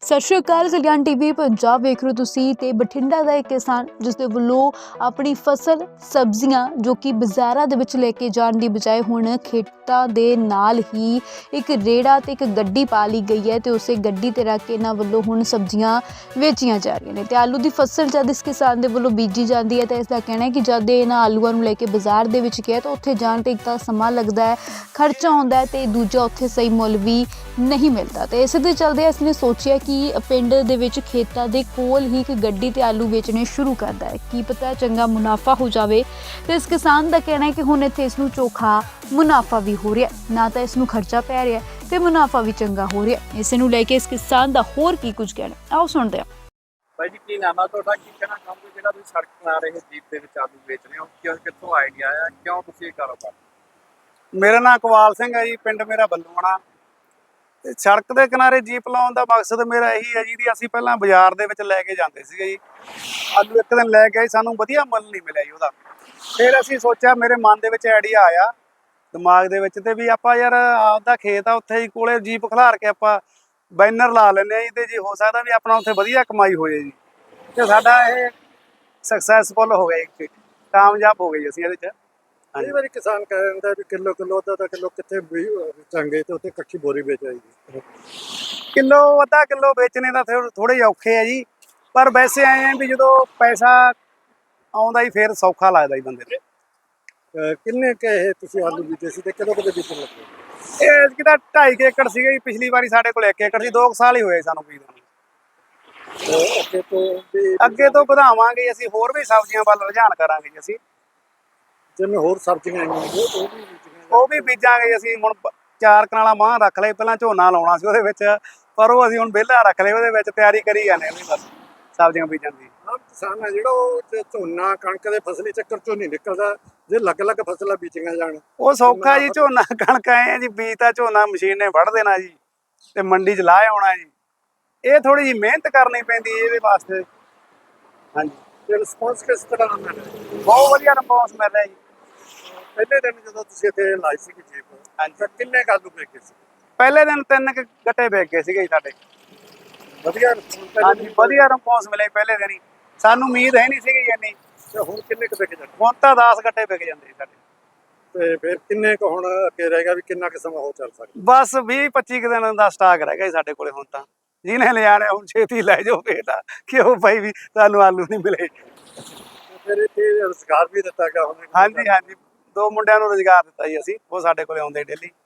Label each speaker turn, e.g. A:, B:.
A: ਸਤਿ ਸ਼੍ਰੀ ਅਕਾਲ। ਕਲਿਆਣ ਟੀਵੀ ਪੰਜਾਬ ਵੇਖ ਰਹੇ ਹੋ ਤੁਸੀਂ। ਤੇ ਬਠਿੰਡਾ ਦਾ ਇੱਕ ਕਿਸਾਨ ਜਿਸ ਦੇ ਵੱਲੋਂ ਆਪਣੀ ਫਸਲ ਸਬਜ਼ੀਆਂ ਜੋ ਕਿ ਬਾਜ਼ਾਰਾਂ ਦੇ ਵਿੱਚ ਲੈ ਕੇ ਜਾਣ ਦੀ ਬਜਾਏ ਹੁਣ ਖੇਤਾਂ ਦੇ ਨਾਲ ਹੀ ਇੱਕ ਰੇੜਾ ਤੇ ਇੱਕ ਗੱਡੀ ਪਾ ਲਈ ਗਈ ਹੈ ਤੇ ਉਸੇ ਗੱਡੀ ਤੇ ਰੱਖ ਕੇ ਇਹਨਾਂ ਵੱਲੋਂ ਹੁਣ ਸਬਜ਼ੀਆਂ ਵੇਚੀਆਂ ਜਾ ਰਹੀਆਂ ਨੇ। ਤੇ ਆਲੂ ਦੀ ਫਸਲ ਜਦ ਇਸ ਕਿਸਾਨ ਦੇ ਵੱਲੋਂ ਬੀਜੀ ਜਾਂਦੀ ਹੈ ਤਾਂ ਇਸ ਦਾ ਕਹਿਣਾ ਹੈ ਕਿ ਜਦ ਇਹਨਾਂ ਆਲੂਆਂ ਨੂੰ ਲੈ ਕੇ ਬਾਜ਼ਾਰ ਦੇ ਵਿੱਚ ਗਿਆ ਤਾਂ ਉੱਥੇ ਜਾਣ ਤੇ ਇੱਕ ਤਾਂ ਸਮਾਂ ਲੱਗਦਾ ਹੈ, ਖਰਚਾ ਆਉਂਦਾ ਹੈ ਤੇ ਦੂਜਾ ਉੱਥੇ ਸਹੀ ਮੁੱਲ ਵੀ ਨਹੀਂ ਮਿਲਦਾ। ਤੇ ਇਸੇ ਦੇ ਚਲਦੇ ਇਸ ਨੇ ਸੋਚਿਆ ਕਿ ਪਿੰਡ ਦੇ ਵਿੱਚ ਖੇਤਾਂ ਦੇ ਕੋਲ ਹੀ ਇੱਕ ਗੱਡੀ ਤੇ ਆਲੂ ਵੇਚਣੇ ਸ਼ੁਰੂ ਕਰਦਾ ਹੈ। ਕੀ ਪਤਾ ਚੰਗਾ ਮੁਨਾਫਾ ਹੋ ਜਾਵੇ। ਤੇ ਇਸ ਕਿਸਾਨ ਦਾ ਕਹਿਣਾ ਹੈ ਕਿ ਹੁਣ ਇੱਥੇ ਇਸ ਨੂੰ ਚੋਖਾ ਮੁਨਾਫਾ ਵੀ ਹੋ ਰਿਹਾ, ਨਾ ਤਾਂ ਇਸ ਨੂੰ ਖਰਚਾ ਪੈ ਰਿਹਾ ਤੇ ਮੁਨਾਫਾ ਵੀ ਚੰਗਾ ਹੋ ਰਿਹਾ। ਇਸ ਨੂੰ ਲੈ ਕੇ ਇਸ ਕਿਸਾਨ ਦਾ ਹੋਰ ਕੀ ਕੁਝ ਕਹਿਣਾ, ਆਓ ਸੁਣਦੇ ਹਾਂ।
B: ਭਾਈ ਜੀ ਕੀ ਨਾਮ ਆ ਤੁਹਾਡਾ, ਕੀ ਕਹਿਣਾ ਚਾਹੋਗੇ ਜਿਹੜਾ ਤੁਸੀਂ ਸੜਕ ਬਣਾ ਰਹੇ ਜੀਪ ਦੇ ਵਿੱਚ ਆਲੂ ਵੇਚ ਰਹੇ ਹੋ, ਕਿੱਥੋਂ ਆਈਡੀਆ ਆਇਆ, ਕਿਉਂ ਤੁਸੀਂ ਇਹ ਕਾਰੋਬਾਰ?
C: ਮੇਰਾ ਨਾਮ ਇਕਬਾਲ ਸਿੰਘ ਹੈ ਜੀ, ਪਿੰਡ ਮੇਰਾ ਬੱਲੂਆਣਾ। ਤੇ ਸੜਕ ਦੇ ਕਿਨਾਰੇ ਜੀਪ ਲਾਉਣ ਦਾ ਮਕਸਦ ਮੇਰਾ ਇਹੀ ਹੈ ਜੀ, ਅਸੀਂ ਪਹਿਲਾਂ ਬਾਜ਼ਾਰ ਦੇ ਵਿੱਚ ਲੈ ਕੇ ਜਾਂਦੇ ਸੀਗੇ ਜੀ ਆਲੂ। ਇੱਕ ਦਿਨ ਲੈ ਕੇ ਸਾਨੂੰ ਵਧੀਆ ਮੁੱਲ ਨਹੀਂ ਮਿਲਿਆ ਜੀ ਉਹਦਾ। ਫਿਰ ਅਸੀਂ ਸੋਚਿਆ, ਮੇਰੇ ਮਨ ਦੇ ਵਿੱਚ ਆਈਡੀਆ ਆਇਆ ਦਿਮਾਗ ਦੇ ਵਿੱਚ, ਤੇ ਵੀ ਆਪਾਂ ਯਾਰ ਆਪਦਾ ਖੇਤ ਆ ਉੱਥੇ ਹੀ ਕੋਲੇ ਜੀਪ ਖਿਲਾਰ ਕੇ ਆਪਾਂ ਬੈਨਰ ਲਾ ਲੈਂਦੇ ਆ ਜੀ, ਤੇ ਜੀ ਹੋ ਸਕਦਾ ਵੀ ਆਪਣਾ ਉੱਥੇ ਵਧੀਆ ਕਮਾਈ ਹੋ ਜਾਏ ਜੀ। ਤੇ ਸਾਡਾ ਇਹ ਸਕਸੈਸਫੁਲ ਹੋ ਗਿਆ ਜੀ, ਕਾਮਯਾਬ ਹੋ ਗਏ ਅਸੀਂ ਇਹਦੇ 'ਚ।
B: ਕਈ ਵਾਰੀ ਕਿਸਾਨ ਕਹਿ ਦਿੰਦਾ ਵੀ ਕਿਲੋ ਅੱਧਾ ਕਿਲੋ ਕਿੱਥੇ ਵੇਚਾਂਗੇ, ਤੇ ਉੱਥੇ ਇਕੱਠੀ ਬੋਰੀ ਵੇਚਾਈਦੀ।
C: ਕਿਲੋ ਅੱਧਾ ਕਿਲੋ ਵੇਚਣੇ ਦਾ ਥੋੜੇ ਔਖੇ ਆ ਜੀ, ਪਰ ਵੈਸੇ ਆਏ ਆ ਵੀ ਜਦੋਂ ਪੈਸਾ ਆਉਂਦਾ ਹੀ ਫਿਰ ਸੌਖਾ ਲੱਗਦਾ ਜੀ ਬੰਦੇ ਨੂੰ।
B: ਕਿੰਨੇ ਇਹ ਤੁਸੀਂ ਆਲੂ ਬੀਜੇ ਸੀ ਤੇ ਕਦੋਂ ਬੀਜਣ ਲੱਗੇ?
C: ਇਹ ਕਿਤਾ 2.5 ਏਕੜ ਸੀਗਾ ਜੀ, ਪਿਛਲੀ ਵਾਰੀ ਸਾਡੇ ਕੋਲ 1 ਏਕੜ ਸੀ। 2 ਸਾਲ ਹੀ ਹੋਏ ਸਾਨੂੰ ਬੀਜਣ ਨੂੰ। ਅੱਗੇ ਤੋਂ ਵਧਾਵਾਂਗੇ ਅਸੀਂ, ਹੋਰ ਵੀ ਸਬਜ਼ੀਆਂ ਵੱਲ ਰੁਝਾਨ ਕਰਾਂਗੇ ਜੀ ਅਸੀਂ।
B: ਜਿਵੇਂ ਹੋਰ ਸਬਜ਼ੀਆਂ
C: ਉਹ ਵੀ ਬੀਜਾਂਗੇ ਅਸੀਂ। ਹੁਣ 4 ਕਨਾਲਾ ਮਾਂ ਰੱਖ ਲਏ, ਪਹਿਲਾਂ ਝੋਨਾ ਲਾਉਣਾ ਸੀ ਉਹਦੇ ਵਿੱਚ, ਪਰ ਉਹ ਅਸੀਂ ਹੁਣ ਵਿਹਲਾ ਰੱਖ ਲਏ, ਉਹਦੇ ਵਿੱਚ ਤਿਆਰੀ ਕਰੀ ਜਾਂਦੇ ਹਾਂ ਬਸ ਸਬਜ਼ੀਆਂ ਬੀਜਣ ਦੀ।
B: ਕਿਸਾਨ ਆ ਜਿਹੜਾ ਉਹ ਝੋਨਾ ਕਣਕ ਦੇ ਫਸਲੀ ਚੱਕਰ ਚੋਂ ਨਹੀਂ ਨਿਕਲਦਾ, ਜੇ ਅਲੱਗ-ਅਲੱਗ ਫਸਲਾਂ ਬੀਜੀਆਂ ਜਾਣ
C: ਉਹ ਸੌਖਾ ਜੀ। ਝੋਨਾ ਕਣਕ ਆਏ ਆ ਜੀ, ਬੀਜ ਤਾਂ ਝੋਨਾ ਮਸ਼ੀਨ ਨੇ ਵੱਢ ਦੇਣਾ ਜੀ ਤੇ ਮੰਡੀ 'ਚ ਲਾ ਆਉਣਾ ਜੀ। ਇਹ ਥੋੜੀ ਜਿਹੀ ਮਿਹਨਤ ਕਰਨੀ ਪੈਂਦੀ ਇਹਦੇ ਵਾਸਤੇ। ਹਾਂਜੀ,
B: ਤੇ ਰਿਸਪੌਂਸ ਕਿਸ ਤਰ੍ਹਾਂ ਦਾ ਮਿਲ ਰਿਹਾ?
C: ਬਹੁਤ ਵਧੀਆ ਰਿਸਪੌਂਸ ਮਿਲ ਰਿਹਾ ਜੀ।
B: ਪਹਿਲੇ ਦਿਨ ਜਦੋਂ ਤੁਸੀਂ ਇੱਥੇ ਲਾਈ ਸੀ ਜੀਪ,
C: ਹਾਂਜੀ,
B: ਕਿੰਨੇ ਆਲੂ ਵੇਚੇ ਸੀ?
C: ਪਹਿਲੇ ਦਿਨ 3 ਗੱਟੇ ਵੇਚ ਗਏ ਸੀਗੇ ਜੀ ਸਾਡੇ।
B: ਵਧੀਆ?
C: ਹਾਂਜੀ, ਵਧੀਆ ਰਿਸਪੌਂਸ ਮਿਲਿਆ ਪਹਿਲੇ ਦਿਨ ਹੀ। ਸਾਨੂੰ ਉਮੀਦ ਹੈ ਨਹੀਂ ਸੀਗੀ ਇੰਨੀ।
B: ਤੇ ਹੁਣ ਕਿੰਨੇ ਕੁ ਵਿਕ ਜਾਂਦੇ?
C: ਹੁਣ ਤਾਂ 10 ਗੱਟੇ ਵਿਕ ਜਾਂਦੇ ਜੀ ਸਾਡੇ।
B: ਤੇ ਫਿਰ ਕਿੰਨੇ ਕੁ ਹੁਣ ਅੱਗੇ ਰਹੇਗਾ, ਵੀ ਕਿੰਨਾ ਕੁ ਸਮਾਂ ਹੋ ਚੱਲ ਸਕਦਾ?
C: ਬਸ 20-25 ਦਿਨ ਦਾ ਸਟਾਕ ਰਹਿ ਗਿਆ ਜੀ ਸਾਡੇ ਕੋਲੇ ਹੁਣ ਤਾਂ। ਜਿਹਨੇ ਲਿਜਾਣਾ ਹੁਣ ਛੇਤੀ ਲੈ ਜਾਓ ਫੇਰ ਤਾਂ, ਕਿਉਂ ਭਾਈ ਵੀ ਤੁਹਾਨੂੰ ਆਲੂ ਨਹੀਂ ਮਿਲੇ।
B: ਫਿਰ ਇੱਥੇ ਰੁਜ਼ਗਾਰ ਵੀ ਦਿੱਤਾ ਗਿਆ ਹੁਣ?
C: ਹਾਂਜੀ, 2 ਮੁੰਡਿਆਂ ਨੂੰ ਰੁਜ਼ਗਾਰ ਦਿੱਤਾ ਜੀ ਅਸੀਂ, ਉਹ ਸਾਡੇ ਕੋਲੇ ਆਉਂਦੇ ਡੇਲੀ।